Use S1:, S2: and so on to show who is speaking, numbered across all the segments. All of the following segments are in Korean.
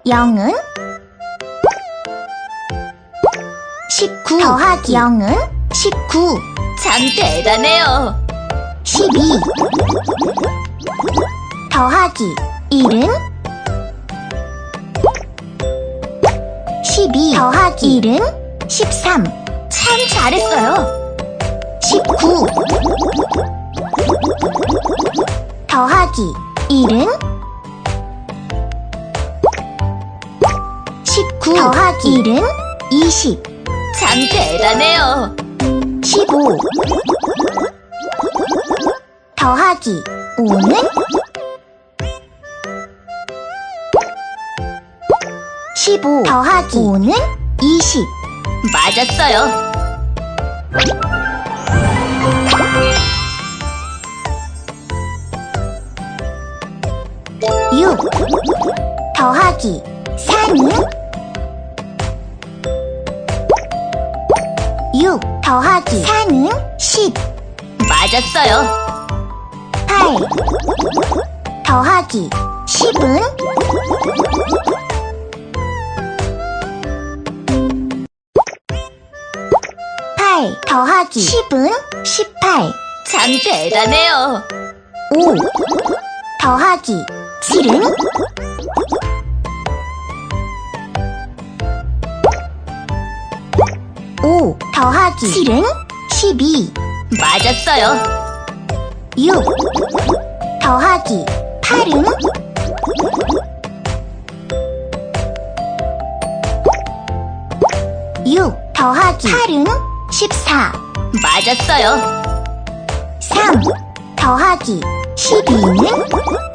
S1: 0은 19 더하기 0은 19
S2: 참 대단해요.
S1: 12 더하기 1은 12 더하기 1은 13
S2: 참 잘했어요.
S1: 19 더하기 1은 19 더하기 1은 20
S2: 참 대단해요.
S1: 15 더하기 5는 15 더하기 5는 20
S2: 맞았어요.
S1: 6 더하기 4는 6 더하기 4는 10
S2: 맞았어요.
S1: 8 더하기 10은 8 더하기 10은 18
S2: 참 대단해요.
S1: 5 더하기 7은 5 더하기 7은 12
S2: 맞았어요.
S1: 6 더하기 8은 6 더하기 8은 14
S2: 맞았어요.
S1: 3 더하기 12는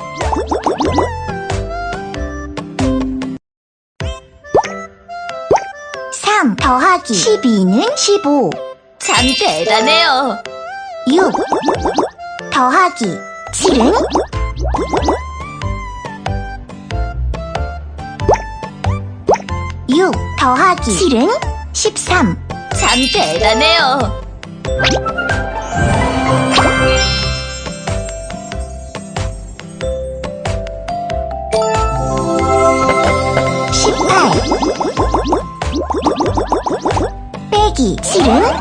S1: 3 더하기 12는 15
S2: 참 대단해요.
S1: 6 더하기 7은 6 더하기 7은 13
S2: 참 대단해요.
S1: 18 빼기 7은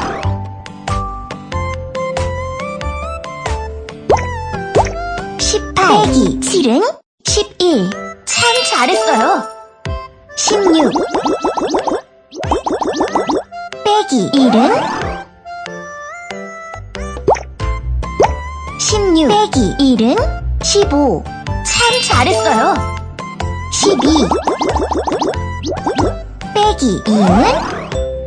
S1: 18 빼기 7은 11
S2: 참 잘했어요.
S1: 16 빼기 1은 16 빼기 1은 15
S2: 참 잘했어요.
S1: 12 빼기 2는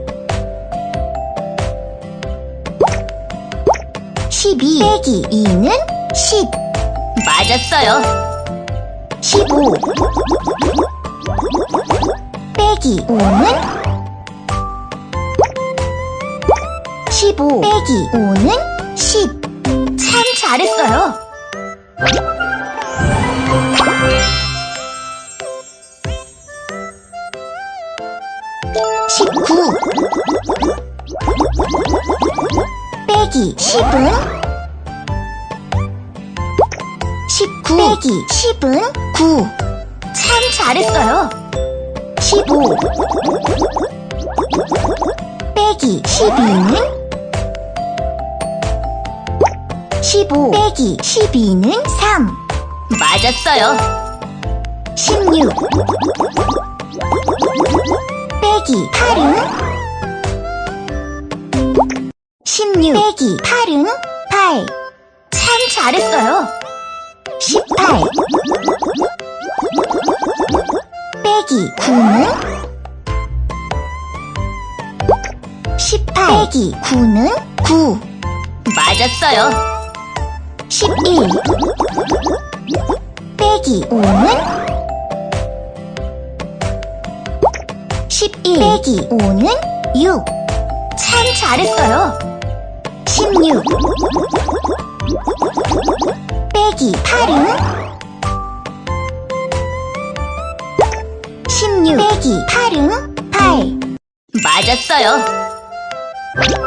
S1: 12 빼기 2는 10
S2: 맞았어요.
S1: 15 빼기 5는 15 빼기 5는 10
S2: 참 잘했어요.
S1: 19 빼기 10은 19 빼기 10은 9
S2: 참 잘했어요.
S1: 15 빼기 12는 15 빼기 12는 3
S2: 맞았어요.
S1: 16 빼기 8은 16 빼기 8은 8
S2: 참 잘했어요.
S1: 18 빼기 9는 18 빼기 9는 9
S2: 맞았어요.
S1: 11 빼기 5는 11 빼기 5는 6
S2: 참 잘했어요.
S1: 16 빼기 8은 16 빼기 8은 8
S2: 맞았어요.